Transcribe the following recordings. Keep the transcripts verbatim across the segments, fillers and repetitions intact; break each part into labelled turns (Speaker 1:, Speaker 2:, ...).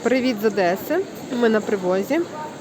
Speaker 1: Привіт з Одеси. Ми на привозі.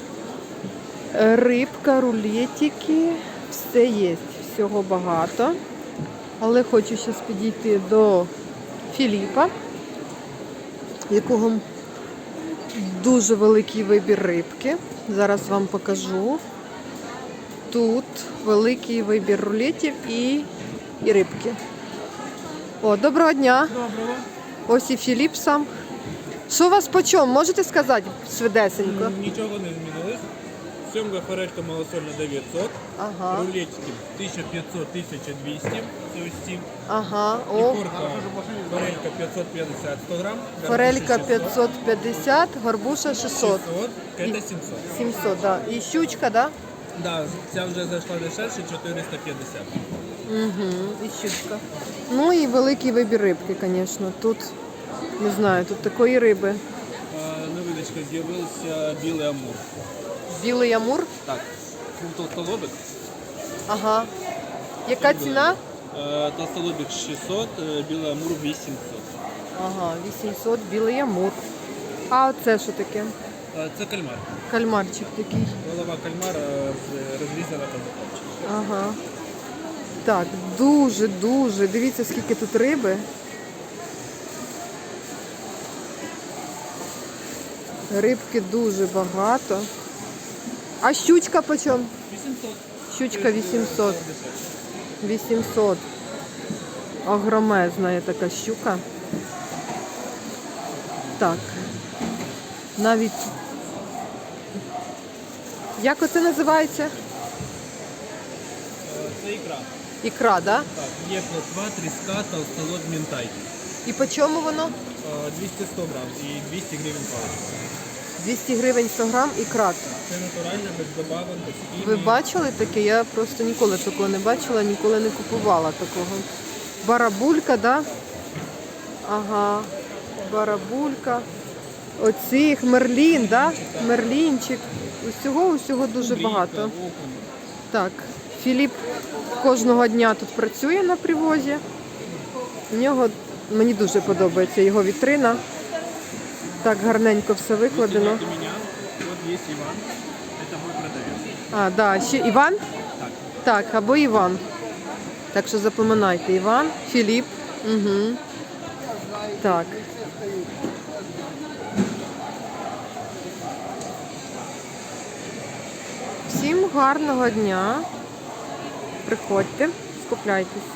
Speaker 1: Рибка, рулетики, все є, всього багато. Але хочу зараз підійти до Філіпа, в якого дуже великий вибір рибки. Зараз вам покажу. Тут великий вибір рулетів і, і рибки. О, доброго дня.
Speaker 2: Доброго.
Speaker 1: Ось і Філіп сам. Що у вас по чому? Можете сказати швидесенько?
Speaker 2: Нічого не змінилось. Сьомга форелька малосольна дев'ятсот.
Speaker 1: Ага.
Speaker 2: Рулетики тисяча п'ятсот - тисяча двісті. Це ось ці.
Speaker 1: Ага. О,
Speaker 2: Ікорка, форелька п'ятсот п'ятдесят сто грам.
Speaker 1: форелька п'ятсот п'ятдесят, горбуша шістсот.
Speaker 2: шістсот, кета сімсот.
Speaker 1: сімсот, да. І щучка, да?
Speaker 2: Да, ця вже зайшла дешевше, чотириста п'ятдесят.
Speaker 1: Угу, і щучка. Ну і великий вибір рибки, звісно. Тут, не знаю, тут такої риби.
Speaker 2: А, на видочках з'явився білий амур.
Speaker 1: Білий амур.
Speaker 2: Так, толстолобик.
Speaker 1: Ага. Яка ціна?
Speaker 2: Е, Толстолобик шістсот, е, білий амур вісімсот.
Speaker 1: Ага, вісімсот, білий амур. А оце що таке?
Speaker 2: Е, Це кальмар.
Speaker 1: Кальмарчик такий.
Speaker 2: Голова кальмара з- розрізана по закопчику.
Speaker 1: Ага. Так, дуже-дуже. Дивіться, скільки тут риби. Рибки дуже багато. А щучка по чому?
Speaker 2: вісімсот.
Speaker 1: Щучка вісімсот. вісімсот. Огромезна є така щука. Так. Навіть... Як оце називається?
Speaker 2: Е, Це ікра.
Speaker 1: Ікра, да?
Speaker 2: Так, є плотва, тріска, толстолоб, мінтай.
Speaker 1: І по чому воно?
Speaker 2: Е, двісті сто грам і двісті гривень паличка.
Speaker 1: двісті гривень сто грам ікра.
Speaker 2: Це натурально, без добавок, без хімії.
Speaker 1: Ви бачили таке? Я просто ніколи такого не бачила, ніколи не купувала такого. Барабулька, да? Ага, барабулька. Оцих, мерлін, да? Мерлінчик. Усього, усього дуже
Speaker 2: Кубрійка,
Speaker 1: багато.
Speaker 2: окунь.
Speaker 1: Так, Філіп кожного дня тут працює на привозі. У нього, мені дуже подобається його вітрина. Так гарненько все викладено.
Speaker 2: Если нет у меня, вот есть Иван, это мой продавец.
Speaker 1: А, да, ще Іван?
Speaker 2: Так.
Speaker 1: Так, або Іван. Так що запам'ятайте, Іван, Філіп. Угу. Так. Всім гарного дня. Приходьте, скупляйтесь.